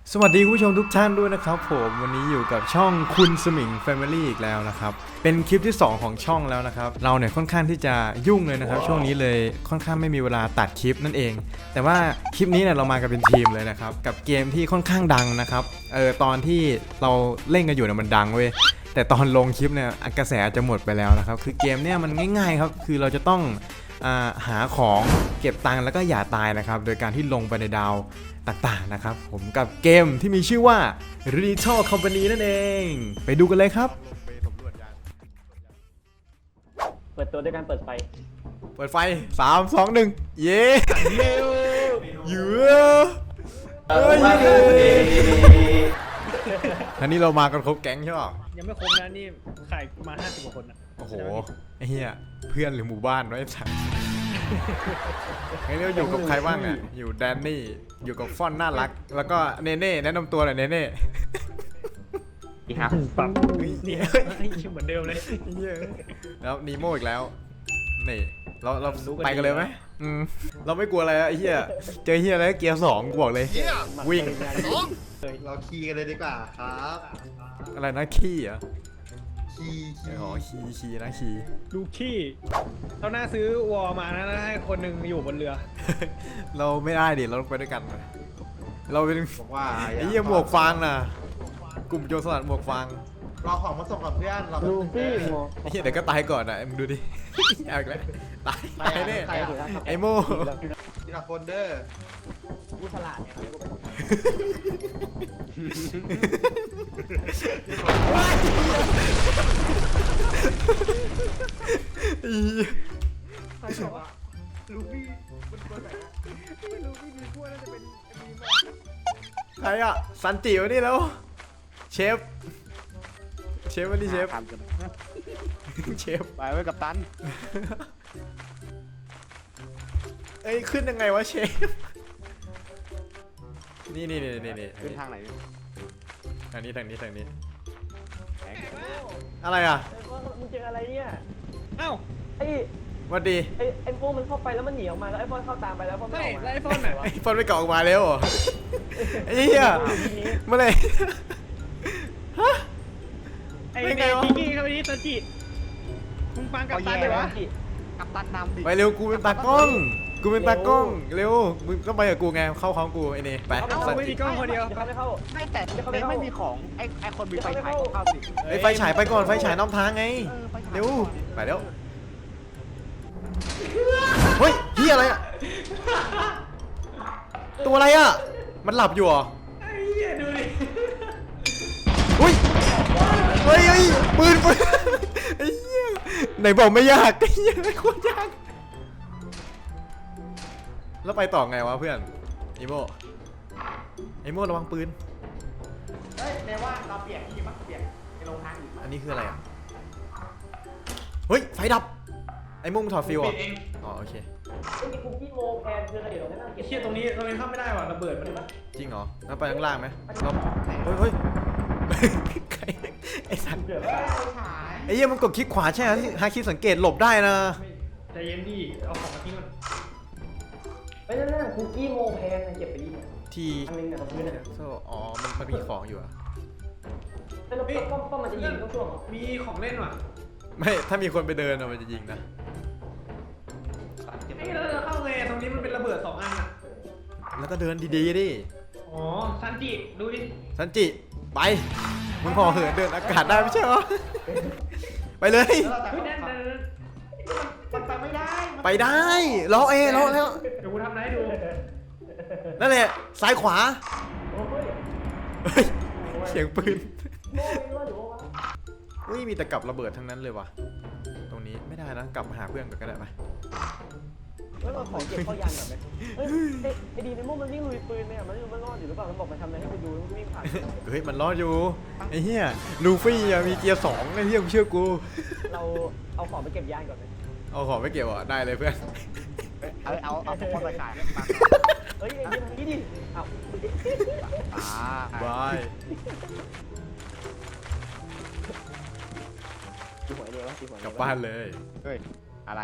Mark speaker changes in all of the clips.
Speaker 1: สวัสดีผู้ชมทุกท่านด้วยนะครับผมวันนี้อยู่กับช่องคุณสมิง Family อีกแล้วนะครับเป็นคลิปที่2ของช่องแล้วนะครับเราเนี่ยค่อนข้างที่จะยุ่งเลยนะครับช่วงนี้เลยค่อนข้างไม่มีเวลาตัดคลิปนั่นเองแต่ว่าคลิปนี้เนี่ยเรามากันเป็นทีมเลยนะครับกับเกมที่ค่อนข้างดังนะครับตอนที่เราเล่นกันอยู่เนี่ยมันดังเว้ยแต่ตอนลงคลิปเนี่ยกระแสจะหมดไปแล้วนะครับคือเกมเนี่ยมันง่ายๆครับคือเราจะต้องหาของเก็บตังค์แล้วก็อย่าตายนะครับโดยการที่ลงไปในดาวต่างๆนะครับผมกับเกมที่มีชื่อว่า Little Company นั่นเองไปดูกันเลยครับ
Speaker 2: เปิดตัวด้วยการเปิดไฟ
Speaker 1: เปิดไฟ3 2 1เย้เยือท่านี้เรามากันครบแก๊งใช่ป่ะ
Speaker 3: ยังไม่ครบนะนี่ขายมา50 กว่าคนนะ
Speaker 1: โอ้โหไอ้เหี้ยเพื่อนหรือหมู่บ้านไว้สักให้เราอยู่กับใครบ้างอ่ะอยู่แดนนี่อยู่กับฟอนน่ารักแล้วก็เนเน่แนะนำตัวหน่อยเนเน่
Speaker 2: ดีครับ
Speaker 3: ปรับนี่เหมือนเดิมเลย
Speaker 1: แล้วนีโมอีกแล้วนี่เราไปกันเลยไหมเราไม่กลัวอะไรอะไอ้เหี้ยเจอเหี้ยอะไรเกียร์2กูบอกเลยวิ่ง
Speaker 4: เราคีย์กันเลยดีกว่าครับ
Speaker 1: อะไรนะขี้เหรอ
Speaker 4: คีย์
Speaker 1: อ๋อขี้นะขี้
Speaker 3: ลูขี้เราน่าซื้อวอลมานะให้คนหนึ่งอยู่บนเรือ
Speaker 1: เราไม่ได้ดิเราต้องไปด้วยกันเราเป็น
Speaker 4: บอกว่า
Speaker 1: ไอ้เหี้ยหมวกฟางน่ะกลุ่มโจรสลัดหมวกฟาง
Speaker 4: รอของมาส่งกับเพื่อนเรา
Speaker 2: ลูฟี่โม
Speaker 1: ไอ้เหี้ยเดี๋ยวก็ตายก่อนอ่ะมึงดูดิเอาอีกแล้วตายแน่ไอ้โม่
Speaker 4: ทีละคนเดอร์
Speaker 2: ผู้ฉลาดเนี่ยเขาเรียกว่า
Speaker 3: ใครบอกว่าลูฟี่มันตัวไหนไม่รู้พี่มีพวกน่าจะเป็นมีมอ
Speaker 1: ใครอ่ะซันจิวะนี่แล้วเชฟวันนี้เชฟเชฟ
Speaker 5: ไปไว้กับตัน
Speaker 1: เอ้ยขึ้นยังไงวะเชฟนี่
Speaker 5: ขึ้นทางไหนเนี่ย
Speaker 1: ทางนี้อะไรอ่ะ
Speaker 2: มึงเจออะไรเนี่ย
Speaker 3: เอ้า
Speaker 2: ไอ้
Speaker 1: สวัสดี
Speaker 2: ไอ้พวกมันเข้าไปแล้วมันหนีออกมาแล้วไอ้พวกเข้าตามไปแล้วพวกมัน
Speaker 3: ไม่
Speaker 2: ออกมา
Speaker 3: ไล่ฟอนไหนวะ
Speaker 1: ไอ้ฟอนไม่เกาะออกมาแล้วเหรอไอ้เหี้ยเมื่อไหร่
Speaker 3: ไอ้
Speaker 1: ไม่ไง
Speaker 3: เด็ก
Speaker 1: วะ
Speaker 3: พี่กี้เข้าไปที่ตาจิมึงฟังกับตันเลยวะ
Speaker 5: กับตันนำดิ
Speaker 1: ไปเร็วกูเป็นตากล้องเร็วมึงต้องไปกับกูไงเข้าของกูไอ้นี่ไป
Speaker 3: เอาไม่มีกล้องคนเดียว
Speaker 2: เขาไม่เข้า
Speaker 5: ไม่แต่ไม่มีของไอ้คนมีไฟฉายเข้าดิ
Speaker 1: ไอ้ไฟฉายไปก่อนไฟฉายนำทางไง
Speaker 5: ไฟฉาย
Speaker 1: เร็วไปแล้วเฮ้ยเหี้ยอะไรอ่ะตัวอะไรอ่ะมันหลับอยู่เหรอ
Speaker 3: ไอ้เหี้ยดูดิ
Speaker 1: เฮ้ยปืนไอ้เหี้ยไหนบอกไม่ยากไอ้เหี้ยโคตรยากแล้วไปต่อไงวะเพื่อนอีโมระวังปืน
Speaker 5: เฮ้ยในว่าเราเปลี่ยนที่ปะเปลี่ยนไปลงทางอื่น
Speaker 1: อันนี้คืออะไรอ่ะเฮ้ยไฟดับไอ้โมมึงถอดฟิวอ่ะอ๋อโอเค
Speaker 2: ไอ้มีคุกกี้โมแพนคืออะไรเดี๋ยวเรานั่งเก็บ
Speaker 3: เหี้ยตรงนี้เราเข้าไม่ได้ว่ะระเบิดมัน
Speaker 1: จริงเหรอแล้วไปข้างล่างไหมเราเฮ้ยใครไอ้สัตว์
Speaker 2: เดี๋ยว
Speaker 1: ไอ้เหี้ยมันกดคลิกขวาใช่ไหมฮาคิดสังเกตหลบได้นะ
Speaker 3: ใจเย็นดิเอาของมาทิ้งมัน
Speaker 2: ไปนั่นคุกกี้โมแพนเก็บไปดิ
Speaker 1: ที่
Speaker 2: อันนึงเนี่ยตรงนี้เนี่ย
Speaker 1: อ๋อมันมีของอยู่อ่ะ
Speaker 2: แล้วป้อมมันจะยิงต้องช่วง
Speaker 3: มีของเล่นว่ะ
Speaker 1: ไม่ถ้ามีคนไปเดินอะมันจะยิงนะ
Speaker 3: ไอ้เราจะเข้าไงตรงนี้มันเป็นระเบิด2 อันอ่ะ
Speaker 1: แล้วก็เดินดีๆดิ
Speaker 3: อ๋อซันจิดูดิ
Speaker 1: สันจิไปมึงพอเหินเดินอากาศได้ไม่ใช่เหรอไปเลย
Speaker 5: แล้วเราจะ
Speaker 3: เฮ้ยนั่น
Speaker 5: มันไปไม่ได้
Speaker 1: ไปได้ล้อแล้ว
Speaker 3: เดี๋ยวกูทำได้ดู
Speaker 1: นั่นแหละซ้ายขวา
Speaker 2: โอ้ย
Speaker 1: เฮ้ยเสียงปืน
Speaker 2: โม่ไม่รู้หรือว่า
Speaker 1: อุ้ยมีแต่กับระเบิดทั้งนั้นเลยว่ะตรงนี้ไม่ได้นะกลับมาหาเพื่อนก่อนก็ได้ไป
Speaker 2: แล้วเราของเก็บเข้ายานก่อนไหมเฮ้ยไอ้ดีในโม่มันวิ่งลุยปืนไหมอ่ะมันรอดอยู่หรือเปล่ามันบอกมันทำอะไรให้ไปดูมันวิ่งผ่าน
Speaker 1: เฮ้ยมันรอดอยู่ไอ้เหี้ยลูฟี่อะมีเกียร์2ไอ้เหี้ยมึงเชื่อกู
Speaker 2: เราเอาของไปเก็บยานก่อนไหม
Speaker 1: เอาของไม่เกี่ยวอ่ะได้เลยเพื่อน
Speaker 5: เอาพอไปขาย
Speaker 2: เฮ้ยไอ้เรื่องนี้ดิเอ้า
Speaker 1: บาย
Speaker 2: ตีหัวไอ้เนี่ยวะตีหัว
Speaker 1: กลับบ้านเลย
Speaker 5: เฮ้ยอะไร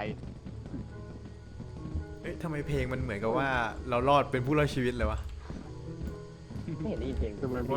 Speaker 1: เฮ้ยทำไมเพลงมันเหมือนกับว่าเรารอดเป็นผู้รอดชีวิตเลยวะ
Speaker 2: ไม่เห็นได้ยินเพลง
Speaker 3: ทำไมไม่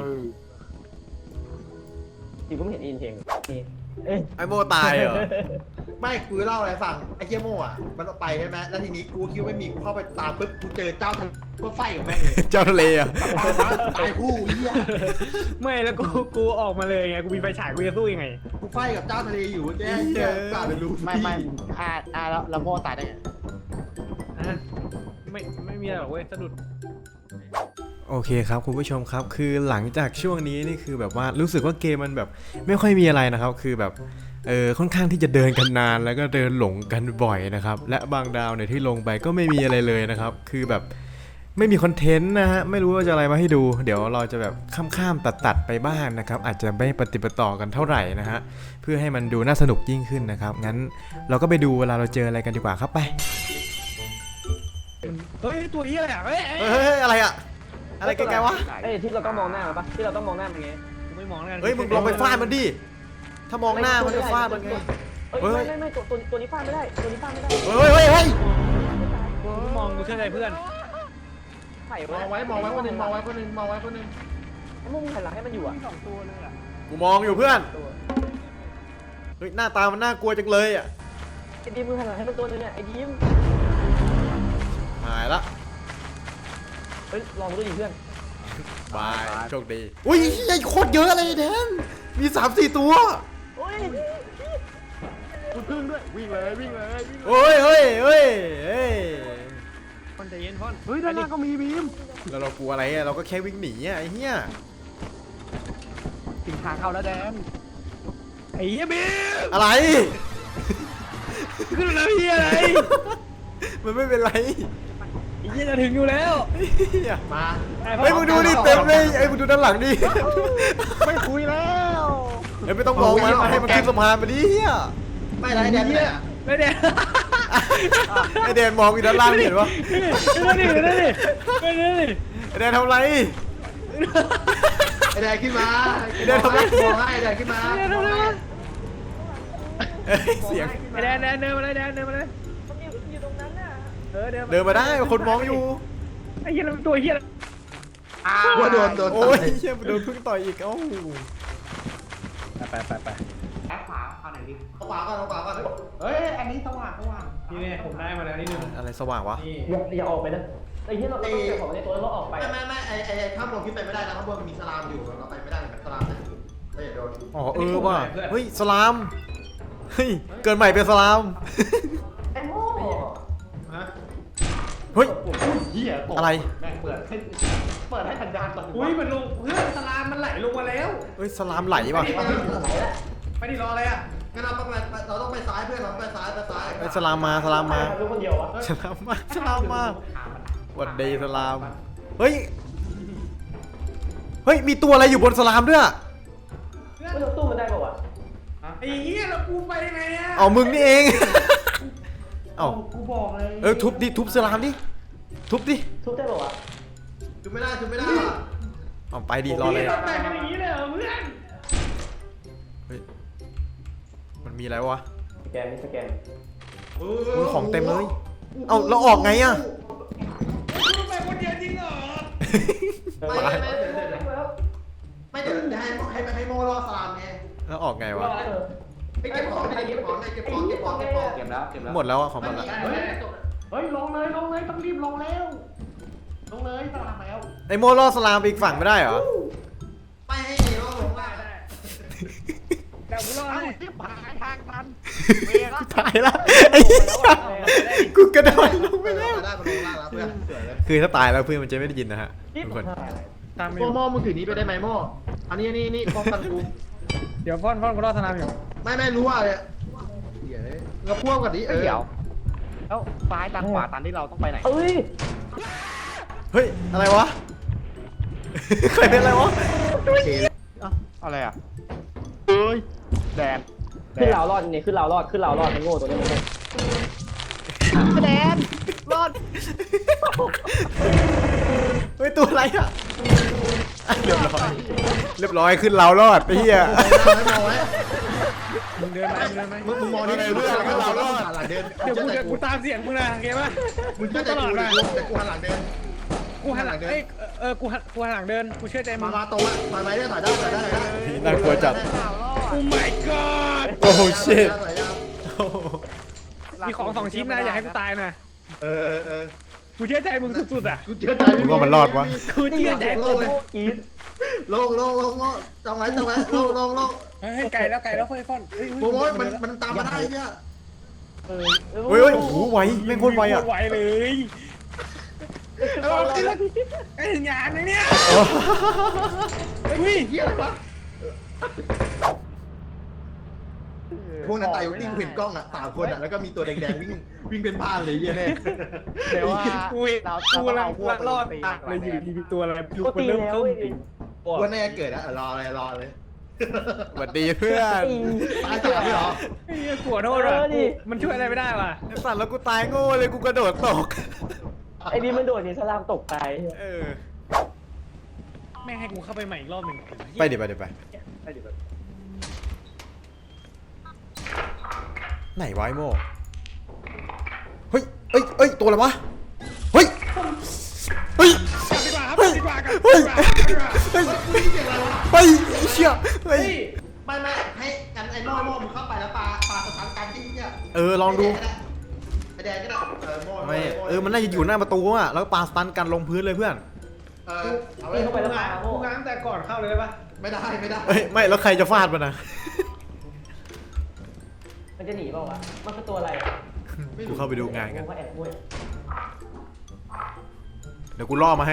Speaker 2: จริงก็ไม่เห็นได้ยินเพลงเอ้ย
Speaker 1: ไอโมตายเหรอ
Speaker 4: ไม่กูเล่าอะไรฟังไอ้เหี้ยโม่อะมันไปใช่ไหมแล้วทีนี้กูคิดว่าไม่มีกูเข้าไปตามปุ๊บกูเจอเจ้าทะเลก็ไฟกับแม่งเลย
Speaker 1: เจ้าทะเลอ่ะ
Speaker 4: ตายคู่เหี้ย
Speaker 3: ไม่แล้วกูออกมาเลยไงกูมีไฟฉายกูจะสู้ยังไง
Speaker 4: กูไฟกับเจ้าทะเลอยู่แกเหี้ยกล้าไปรู้
Speaker 5: ไม่แล้วโม่ตายได้ไง
Speaker 3: อ่ะไม่มีอะไรหรอกเว้ยสะดุด
Speaker 1: โอเคครับคุณผู้ชมครับคือหลังจากช่วงนี้นี่คือแบบว่ารู้สึกว่าเกมมันแบบไม่ค่อยมีอะไรนะครับคือแบบค่อนข้างที่จะเดินกันนานแล้วก็เดินหลงกันบ่อยนะครับและบางดาวเนี่ยที่ลงไปก็ไม่มีอะไรเลยนะครับคือแบบไม่มีคอนเทนต์นะฮะไม่รู้ว่าจะอะไรมาให้ดูเดี๋ยวเราจะแบบข้ามตัดไปบ้างนะครับอาจจะไม่ปฏิปต่อกันเท่าไหร่นะฮะเพื่อให้มันดูน่าสนุกยิ่งขึ้นนะครับงั้นเราก็ไปดูเวลาเราเจออะไรกันดีกว่าครับไป
Speaker 3: เฮ้ยตัวนี้อะไรอ่ะเฮ้ย
Speaker 1: เฮ้ยอะไรอะอะไรไกลๆวะ
Speaker 2: เอ้ยที่เราต้องมองหน้ามันปะที่เราต้องมองหน้ามันไง
Speaker 3: กูไม่มองแล้วกัน
Speaker 1: เฮ้ยมึงลองไปฟาดมันดิถ้ามองหน้ามันจะฟาดมันไง
Speaker 2: เฮ้ยไม่ตัวนี้ฟาดไม่ได้ตัวนี้ฟาดไม่ได้
Speaker 1: เฮ้ย
Speaker 3: กูมองกูเชื่อใจเพื่อน
Speaker 2: ไข่
Speaker 4: มองไว้คนหนึ่งมองไว้คนหนึ่งมองไว้คนหนึ่ง
Speaker 2: ไอ้มุ้งหันหลังให้มันอยู่อ่ะ
Speaker 3: 2 ตัวเลยอ่ะ
Speaker 1: กูมองอยู่เพื่อน
Speaker 2: ตัว
Speaker 1: เฮ้ยหน้าตามันน่ากลัวจังเลยอ่ะ
Speaker 2: ไอ้ดีมมึงหันหลังให้มันตัวนึงเนี่ยไอ้ดีม
Speaker 1: หายละ
Speaker 2: เฮ้ยลองดูดิเพื่อน
Speaker 1: บายโชคดีอุ้ยไอ้โคตรเยอะเลยแดนมี 3-4 ตัว
Speaker 2: โอ้ย
Speaker 3: กูพึ่งด้วยวิ่งเลยวิ่งเลย
Speaker 1: เฮ้ย
Speaker 3: พ่อนใจเย็นพ่อนเฮ้ยด้านหน้าก็มีบีม
Speaker 1: แล้วเรากลัวอะไรอ่ะเราก็แค่วิ่งหนีอ่ะไอ้เหี้ย
Speaker 3: ถึงทางเข้าแล้วแดนไอ้เหี้ยบีม
Speaker 1: อะไร
Speaker 3: ขึ้นมาแล้วเหี้ยอะไร
Speaker 1: มันไม่เป็นไร
Speaker 3: ไอ้เหี้ยจะถึงอยู่แล้ว
Speaker 1: เหี้ย
Speaker 4: มา
Speaker 1: เฮ้ยมึงดูดิเต็มเลยไอ้มึงดูด้านหลังดิ
Speaker 3: ไม่คุยแล้ว
Speaker 1: เฮ้ยไม่ต้องมองมันให้มันขึ้นสะพานไปดิเหี้ย
Speaker 4: ไม่ไรแดนเนี่ย
Speaker 3: ไม่ได้
Speaker 1: ไอแดนมองอยู่ด้านล่างเห็นปะ
Speaker 3: ไม่ได้ไม่ได้ไม่ได้
Speaker 1: ไอแดนทำไร
Speaker 4: ไอ้แดนขึ้นมา
Speaker 1: ไอ้แดนทำไม
Speaker 4: มองให้ไอ้แดนขึ้นมา
Speaker 1: เอ้ยเสียง
Speaker 3: ไอ้แดนเดินมาเลยแดนเดินมาเลย
Speaker 2: มันอยู่ตรงนั้นน่ะ
Speaker 1: เดินมาได้คนมองอยู่
Speaker 3: ไอ้เหี้ยมันตัวเหี้ย
Speaker 4: ว่าโดน
Speaker 1: โอ้ยเชี่ยโดนพึ่งต่อยอีกเอ้า
Speaker 3: ไป
Speaker 5: แอปขวาเอาไหนดิ
Speaker 4: เอาขวาก่อนเอาขวาก่อน
Speaker 5: เฮ้ยอันนี้สว่าง
Speaker 3: นี่เนี่ยผมได้มาแล้วนิดนึง
Speaker 1: อะไรสว่างวะ
Speaker 3: นี่
Speaker 2: อย่าออกไปนะไอ้ที่เราต้องเก็บของในตัวแล้วเราออกไป
Speaker 4: ไม่ไอ้ข้างบนขึ้นไปไม่ได้นะข้างบนมีสลามอยู่เราไปไม่ได้สลามเนี่ยไม่อย่าโดน
Speaker 1: อ๋อว่ะเฮ้ยสลามเฮ้ยเกินใหม่เป็นสลาม
Speaker 2: ไอ้โม่
Speaker 4: ฮะ
Speaker 1: เฮ้ย
Speaker 5: เหี้ยตก
Speaker 1: อะไร
Speaker 5: แม่งเปิดให้สัญญาณตก
Speaker 3: อุ้ยมันลงเพื่อนสลามมันไหลลงมาแล้ว
Speaker 1: เฮ้ยสลามไหลว่ะ
Speaker 3: ไม่ได้รออะไรอ่ะ
Speaker 4: งั้นเราต้องไปซ้ายเพื่อนเราไปซ้าย
Speaker 1: เฮ้ยสลามมา
Speaker 2: รู้คนเดียววะ
Speaker 1: สลามมาหวัดดีสลามเฮ้ยมีตัวอะไรอยู่บนสลามด้วย
Speaker 2: เราตู้มันได้ป่าวะ
Speaker 3: ไอ้เหี้ยแล้วกูไปยังไงอ่ะ
Speaker 1: เอามึงนี่เองเอา
Speaker 5: กูบอกเลย
Speaker 1: ทุบสลามดิทุบดิ
Speaker 2: ทุบได้ป่าวะ
Speaker 4: จุดไม่ได้
Speaker 1: เอาไปดิรอเลย
Speaker 3: เราแต่งกันอย่างนี้เลยเหรอเพื่อน
Speaker 1: เฮ้ยมันมีอะไรวะ
Speaker 2: สแกนนี่สแกน
Speaker 1: มึงของเต็มเลยเอาแล้วออกไงอะ
Speaker 3: มึงไปคนเดียวจริงเหรอ
Speaker 4: ไม่เดี๋ยวให้โมรอสลามไง
Speaker 1: แล้วออกไงวะ
Speaker 4: ไปเก็บของเก็บของ
Speaker 5: เก็บแล้ว
Speaker 1: หมดแล้วอะของหมดละ
Speaker 5: เฮ้ยลงเลยต้องรีบลงแล้วลงเลยตามแล้ว
Speaker 1: ไอโมล่อสลามไปอีกฝั่งไม่ได้เหรอ
Speaker 4: ไม่ให้รอลงล่าง
Speaker 3: แต่กูรอให้
Speaker 5: รีบหาทางทัน
Speaker 1: ตายละไอ้เหี้ยกูกระโดดลงไปแล้ว
Speaker 4: ได้มาลงล่างแล้วเพื่อนสวยเลย
Speaker 1: คือถ้าตายแล้วเพื่อนมันจะไม่ได้ยินนะฮะทุกคน
Speaker 3: ตามไป
Speaker 4: โม่มึงถือนี้ไปได้ไหมโม่อันนี้นี่ป้องกันกู
Speaker 3: เดี๋ยวพ่อนกูรอสนามอยู่
Speaker 4: ไม่รู้ว่าเลยเราพ่วงกันดิ
Speaker 5: เดี๋ยวแล้วซ้ายตันขวาตันที่เราต้องไปไหน
Speaker 2: เอ้ย
Speaker 1: เฮ้ยอะไรวะใครเป็นอะไรวะ
Speaker 5: อะไรอ่ะเฮ้ยแดน
Speaker 2: ขึ้นเรารอดนี่ขึ้นเรารอดมันโง่ตัวนี้มันโง่
Speaker 5: แดนรอด
Speaker 1: เฮ้ยตัวอะไรอะเรียบร้อยขึ้นเรารอดไอ้เหี้ย
Speaker 4: มองไว้
Speaker 3: มึงเดินไหม
Speaker 4: มึงมองนี่เลยเพื่อนเรารอดหลังเดิน
Speaker 3: เดี๋ยวกูตามเสียงมึงนะโอเคป่ะ
Speaker 4: มึงก็จะกูแต่กูหันหลังเดิน
Speaker 3: กูหันหลังกูหันหลังเดินกูเชื่อใจมึ
Speaker 4: มาง มาตรงอ่ะถอยไปได้ถอยได้ถอยได้ถอยได้
Speaker 1: น่ากลัวจัด
Speaker 3: โอ้ my god
Speaker 1: โอ้โห shit
Speaker 4: ถอยได้
Speaker 3: มีของ2 ชิ้นนะอย่าให้กูตายนะ
Speaker 4: เออ
Speaker 3: กูเชื่อใจมึงสุดๆอ่ะ
Speaker 4: กูเชื่อใจ
Speaker 1: มึงว่ามันรอดวะ
Speaker 3: กูเชื่อใจ
Speaker 2: โอ้โหกรีด
Speaker 4: ลงจังไว้ลง
Speaker 3: เฮ้ยไก่แล้วเฮ้ยฟอนเฮ้ย
Speaker 4: โอ้ยมันตามมาได้เนี่ย
Speaker 2: เออ
Speaker 1: เฮ้ยโอ้โหไวแม่งโคตรไวอ่ะ
Speaker 3: ไวเลยไอ้งานเลยเนี่ย
Speaker 4: อุ้ยเหี้ยอะไรวะพวกนั้นตายวิ่งเห็นกล้องอ่ะ3 คนอ่ะแล้วก็มีตัวแดงๆวิ่งเป็นบ้านเลยเหี้ย
Speaker 2: เดี๋ยวว่า
Speaker 3: กูรอดตายเลยอยู่ดีตัวอะไรลูกมันเริ่มต้นจริง
Speaker 4: ว่าแน่เกิดอ่ะรอเลย
Speaker 1: สวัสดีเพื่อน
Speaker 4: ตาย3ไม่หรอ
Speaker 3: ไอ้เหี้ยขวดโทษอ่ะมันช่วยอะไรไม่ได้ว่ะ
Speaker 1: ไอ้สัตว์แล้วกูตายโง่เลยกูกระโดดตก
Speaker 2: ไอ้ดีมันโดดหนีสลามตกตาย
Speaker 1: เออ
Speaker 3: แม่งให้กูเข้าไปใหม่อีกรอบหนึ่ง
Speaker 1: ไปดิไปไหนวะไอ้โม่เฮ้ยตัวอะไรวะเฮ้ย
Speaker 3: ดีกว่าครับ
Speaker 1: เฮ้ย
Speaker 3: ดีกว่ากัน
Speaker 1: เฮ้ย
Speaker 3: ดีกว่า
Speaker 1: เฮ้ย
Speaker 4: ไม่เกี่ยวอะไรวะ
Speaker 1: เฮ้ยเชี่ยเฮ้ย
Speaker 4: ไม่ให้กันไอ้โม่มึงเข้าไปแล้วปลาสถานการณ์ที่เนี่ย
Speaker 1: ลองดู
Speaker 4: ไอ้แดงก็ได้โม่
Speaker 1: ไม่มันน่าจะอยู่หน้าประตูอ่ะแล้วปาสตันกันลงพื้นเลยเพื่อน
Speaker 4: เอาไว้
Speaker 2: เข้าไปแล้วปาโม่
Speaker 3: กูง้างแต่ก่อนเข้าเลยได้ปะ
Speaker 4: ไม่ได้
Speaker 1: เฮ้ยไม่แล้วใครจะฟาดมันนะ
Speaker 2: มันจะหนีเปล่าวะมันคือตัวอะไร
Speaker 1: กูเข้าไปดูงานกัน
Speaker 2: ว่าแอบมุ้ย
Speaker 1: เดี๋ยวกูล่อมาให้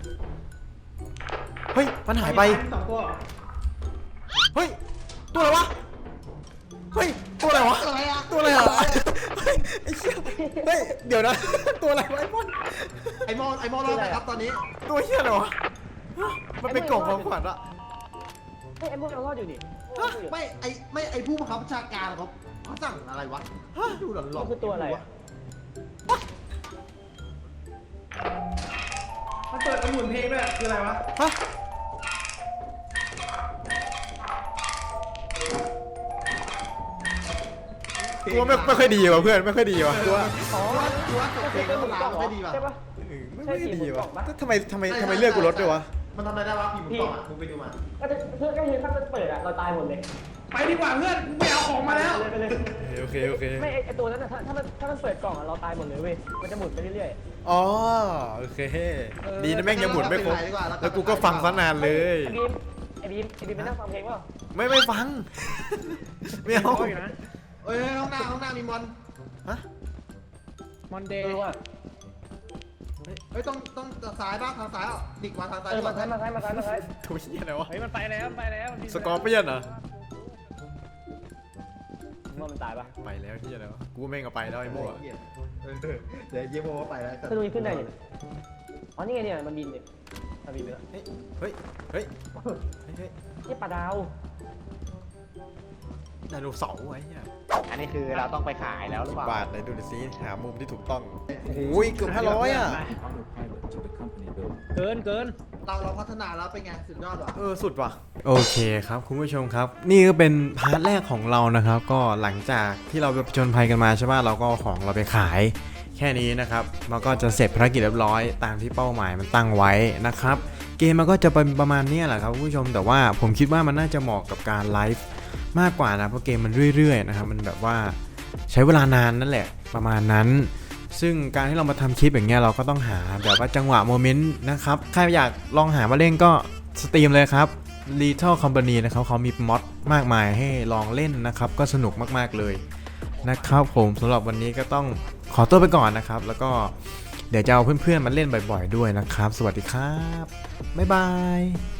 Speaker 1: เฮ้ยมันหายไป
Speaker 3: 2 ตัว
Speaker 1: เฮ้ยตัวอะไรวะเฮ้ยตัวอะไรวะ
Speaker 4: อะไรอ่ะ
Speaker 1: ตัวอะไรอ่ะเฮ้ยไอ้เชี่ยเฮ้ยเดี๋ยวนะ ตัวอะไรวะไอ้บอล
Speaker 4: ไอ้โม่รอดนะครับตอนนี้
Speaker 1: ตัวเชี่ยอะไรวะมันเป็นกล่องของขวัญอะ
Speaker 2: เฮ้ยไอ้มุ้ยเรารอดอยู่นี่
Speaker 4: ไม่ไอ้ผู้บังคับบัญชาการเขาสั่งอะไรวะดูหลอน
Speaker 2: มันคือตัวอะไร
Speaker 3: มันเปิดกระหมุนเพลงด้วยคืออะไรวะ
Speaker 1: ฮะกูว่าไม่ค่อยดีว่ะเพื่อนไม่ค่อยดีว่ะกูว่า
Speaker 2: อ๋อ
Speaker 4: ตัวเพลงแล้วลาวไม่ดีว่ะ
Speaker 2: ใช่ปะ
Speaker 1: ไม่ค่อยดีว่ะทำไมเลือกกูลดด้วยวะ
Speaker 4: มันทำอะไรได้วะพี่มึงบอกอ่ะมึงไปดูมา
Speaker 2: ก็จะเพื่อนก็เห็นถ้ามันเปิดอะเราตายหมดเลย
Speaker 3: ไปดีกว่าเพื่อนกูไปเอาของมาแล้ว
Speaker 2: ไปเลย
Speaker 1: โอเค
Speaker 2: ไม่ไอตัวนั้นอะถ้ามันเปิดกล่องอะเราตายหมดเลยเว้ยมันจะหมุนไปเรื่อย
Speaker 1: อ๋อโอเคดีนะแม่งยังหมุนไม่ครบแล้วกูก็ฟังซะนานเลย
Speaker 2: ไอบีมไปนั่งฟังเพลงเปล่า
Speaker 1: ไม่ฟัง ไม่เอา
Speaker 3: เอาอยู่นะ
Speaker 4: เอ้ยห้องหน้ามีมอน
Speaker 1: ฮะ
Speaker 3: มอนเดย์
Speaker 2: ว่ะ
Speaker 4: เฮ้ยต้องซ้ายบ้างทางซ้ายอ่ะดิกมาทางซ้าย
Speaker 2: มาซ้าย
Speaker 1: ตัวเชี่ยอะไรวะ
Speaker 3: เฮ้ยมันไปแล้ว
Speaker 1: สกอร์เปียนเหรอ
Speaker 2: ว่ามันตายปะ
Speaker 1: ไปแล้วเชี่ยอะไรวะกูว่าแม่งเอาไปแล้วไอ้โม่อะ
Speaker 4: เดี๋ยวเยี่ยมโม่ไปแล้ว
Speaker 2: ถ้าดูขึ้นได้ยังอ๋อนี่ไงเนี่ยมันบินเนี่ยมันบินไปแล้ว
Speaker 1: เฮ้ย
Speaker 2: นี่ปลาดาว
Speaker 1: ไดโนเสาร์ไว้เนี่ย
Speaker 6: อันนี้คือเราต้องไปขายแล้วหรือเปล่า
Speaker 1: บาทไหนดูดิซิหามุมที่ถูกต้องโอ้ยเกือบ500อ่ะ
Speaker 3: เกิน
Speaker 4: เราพัฒนาแล้วเป็นไงสุดยอดว่ะ
Speaker 1: สุดว่ะโอเคครับคุณผู้ชมครับ นี่ก็เป็นพาร์ทแรกของเรานะครับ ก็หลังจากที่เราไปผจญภัยกันมาใช่ป่ะเราก็เอาของเราไปขายแค่นี้นะครับมันก็จะเสร็จภารกิจเรียบร้อยตามที่เป้าหมายมันตั้งไว้นะครับเกมมันก็จะเป็นประมาณนี้แหละครับคุณผู้ชมแต่ว่าผมคิดว่ามันน่าจะเหมาะกับการไลฟ์มากกว่านะเพราะเกมมันเรื่อยๆนะครับมันแบบว่าใช้เวลานานนั่นแหละประมาณนั้นซึ่งการที่เรามาทำคลิปอย่างเงี้ยเราก็ต้องหาแบบว่าจังหวะโมเมนต์นะครับใครอยากลองหามาเล่นก็สตรีมเลยครับ Little Company นะครับเขามีม็อดมากมายให้ลองเล่นนะครับก็สนุกมากๆเลยนะครับผมสำหรับวันนี้ก็ต้องขอตัวไปก่อนนะครับแล้วก็เดี๋ยวจะเอาเพื่อนๆมาเล่นบ่อยๆด้วยนะครับสวัสดีครับบ๊ายบาย